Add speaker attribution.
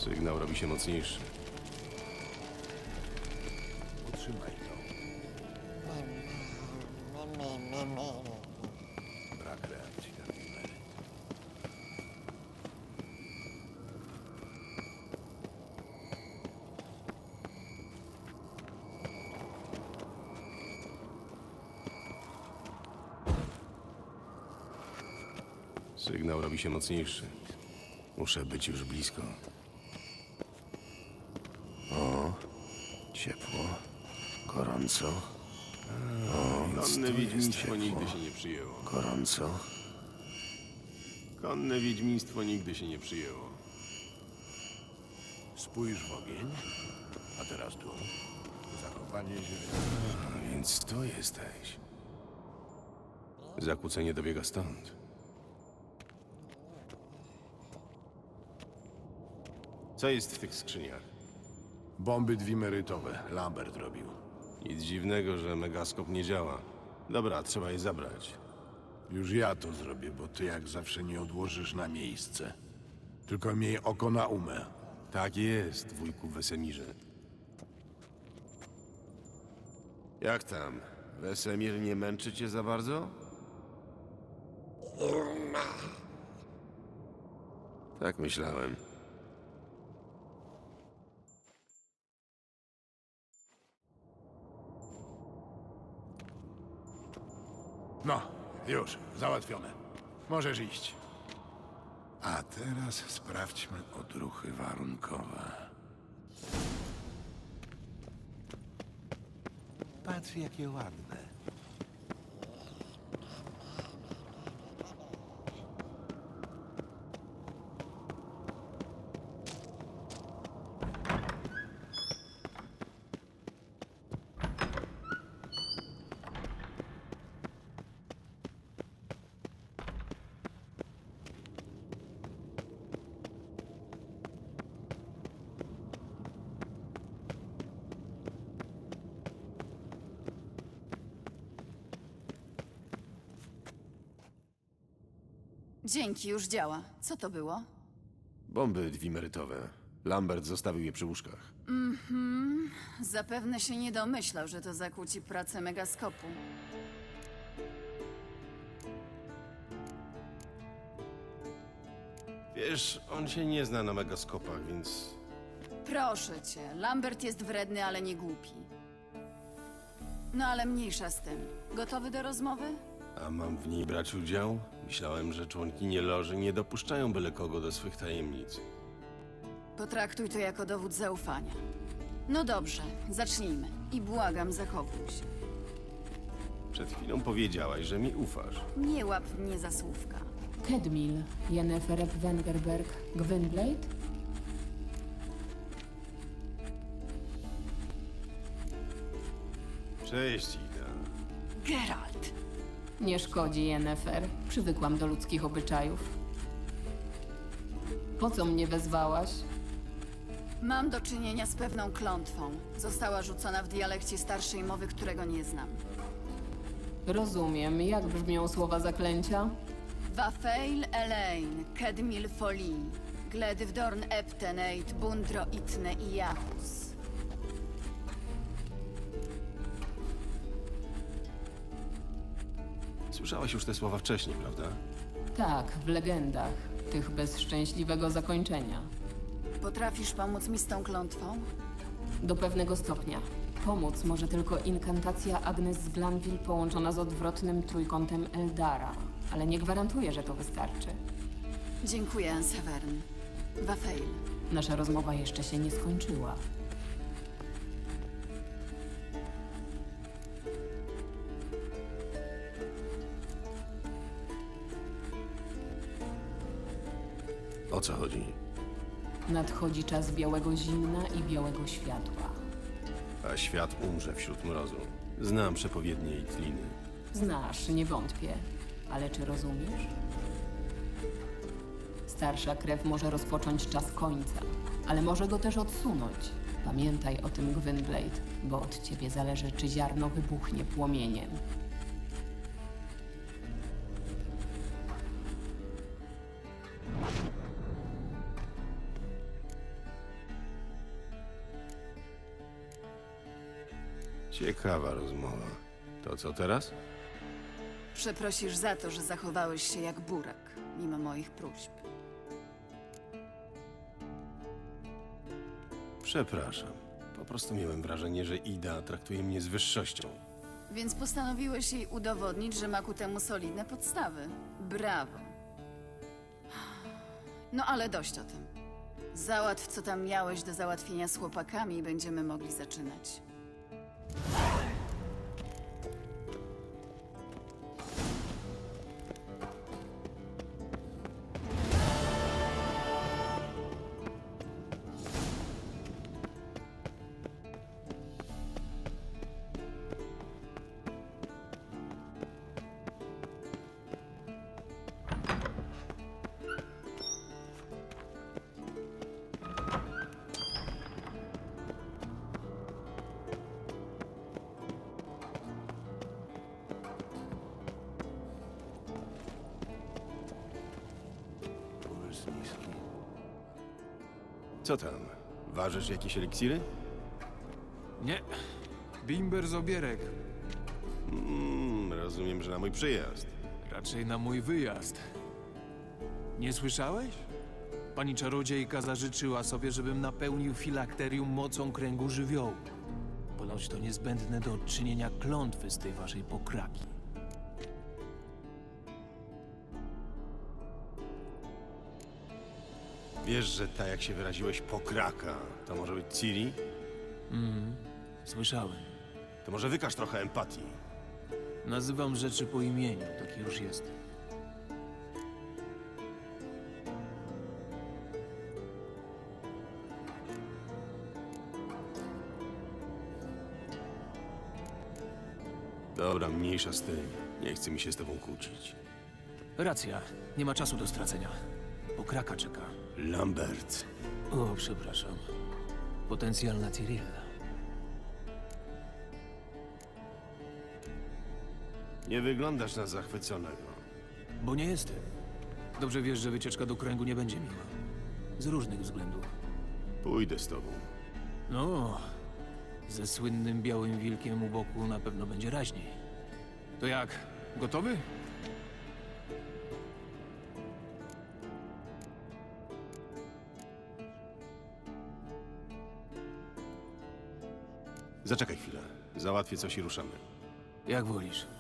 Speaker 1: Sygnał robi się mocniejszy.
Speaker 2: Utrzymaj to. Brak reakcji na numery.
Speaker 1: Sygnał robi się mocniejszy. Muszę być już blisko.
Speaker 2: Ciepło, gorąco,
Speaker 1: Konne wiedźmiństwo
Speaker 2: ciepło.
Speaker 1: nigdy się nie przyjęło.
Speaker 2: gorąco.
Speaker 1: Konne wiedźmiństwo nigdy się nie przyjęło.
Speaker 2: Spójrz w ogień, a teraz tu. Zachowanie źródeł.
Speaker 1: A więc to jesteś. Zakłócenie dobiega stąd. Co jest w tych skrzyniach?
Speaker 2: Bomby dwimerytowe. Lambert robił.
Speaker 1: Nic dziwnego, że megaskop nie działa. Dobra, trzeba je zabrać.
Speaker 2: Już ja to zrobię, bo ty jak zawsze nie odłożysz na miejsce. Tylko miej oko na umę.
Speaker 1: Tak jest, wujku Wesemirze. Jak tam? Wesemir nie męczy cię za bardzo? Tak myślałem.
Speaker 2: No, już, załatwione. Możesz iść. A teraz sprawdźmy odruchy warunkowe. Patrz, jakie ładne.
Speaker 3: Dzięki, już działa. Co to było?
Speaker 1: Bomby dwimerytowe. Lambert zostawił je przy łóżkach.
Speaker 3: Zapewne się nie domyślał, że to zakłóci pracę megaskopu.
Speaker 1: Wiesz, on się nie zna na megaskopach, więc...
Speaker 3: Proszę cię, Lambert jest wredny, ale nie głupi. No ale mniejsza z tym. Gotowy do rozmowy?
Speaker 1: A mam w niej brać udział? Myślałem, że członkinie loży nie dopuszczają byle kogo do swych tajemnic.
Speaker 3: Potraktuj to jako dowód zaufania. No dobrze, zacznijmy. I błagam, zachowuj się.
Speaker 1: Przed chwilą powiedziałaś, że mi ufasz.
Speaker 3: Nie łap mnie za słówka.
Speaker 4: Kedmil, Yennefer Wengerberg, Gwynblade?
Speaker 1: Cześć, Ida.
Speaker 3: Geralt!
Speaker 4: Nie szkodzi, Yennefer. Przywykłam do ludzkich obyczajów. Po co mnie wezwałaś?
Speaker 3: Mam do czynienia z pewną klątwą. Została rzucona w dialekcie starszej mowy, którego nie znam.
Speaker 4: Rozumiem. Jak brzmią słowa zaklęcia?
Speaker 3: Wafeil Elaine, Kedmil Foli, Gledwdorn Eptenate, Bundro Itne i Jahus.
Speaker 1: Słyszałaś już te słowa wcześniej, prawda?
Speaker 4: Tak, w legendach. Tych bez szczęśliwego zakończenia.
Speaker 3: Potrafisz pomóc mi z tą klątwą?
Speaker 4: Do pewnego stopnia. Pomóc może tylko inkantacja Agnes z Glanville połączona z odwrotnym trójkątem Eldara. Ale nie gwarantuję, że to wystarczy.
Speaker 3: Dziękuję, Severn. Wafeil.
Speaker 4: Nasza rozmowa jeszcze się nie skończyła.
Speaker 1: O co chodzi?
Speaker 4: Nadchodzi czas białego zimna i białego światła.
Speaker 1: A świat umrze wśród mrozu. Znam przepowiednie i tliny.
Speaker 4: Znasz, nie wątpię. Ale czy rozumiesz? Starsza krew może rozpocząć czas końca, ale może go też odsunąć. Pamiętaj o tym, Gwynblade, bo od ciebie zależy, czy ziarno wybuchnie płomieniem.
Speaker 1: Ciekawa rozmowa. To co teraz?
Speaker 3: Przeprosisz za to, że zachowałeś się jak burak, mimo moich próśb.
Speaker 1: Przepraszam. Po prostu miałem wrażenie, że Ida traktuje mnie z wyższością.
Speaker 3: Więc postanowiłeś jej udowodnić, że ma ku temu solidne podstawy. Brawo. No ale dość o tym. Załatw, co tam miałeś do załatwienia z chłopakami i będziemy mogli zaczynać.
Speaker 1: Co tam? Ważysz jakieś eliksiry?
Speaker 5: Nie. Bimber z obierek.
Speaker 1: Rozumiem, że na mój przyjazd.
Speaker 5: Raczej na mój wyjazd. Nie słyszałeś? Pani czarodziejka zażyczyła sobie, żebym napełnił filakterium mocą kręgu żywiołu. Ponoć to niezbędne do odczynienia klątwy z tej waszej pokraki.
Speaker 1: Wiesz, że ta, jak się wyraziłeś, pokraka, to może być Ciri?
Speaker 5: Słyszałem.
Speaker 1: To może wykaż trochę empatii.
Speaker 5: Nazywam rzeczy po imieniu, taki już jest.
Speaker 1: Dobra, mniejsza z tym. Nie chce mi się z tobą kłócić.
Speaker 5: Racja, nie ma czasu do stracenia. Pokraka czeka.
Speaker 1: Lambert.
Speaker 5: O, przepraszam. Potencjalna Cyrilla.
Speaker 1: Nie wyglądasz na zachwyconego.
Speaker 5: Bo nie jestem. Dobrze wiesz, że wycieczka do kręgu nie będzie miła. Z różnych względów.
Speaker 1: Pójdę z tobą.
Speaker 5: No, ze słynnym białym wilkiem u boku na pewno będzie raźniej. To jak? Gotowy?
Speaker 1: Zaczekaj chwilę. Załatwię coś i ruszamy.
Speaker 5: Jak wolisz.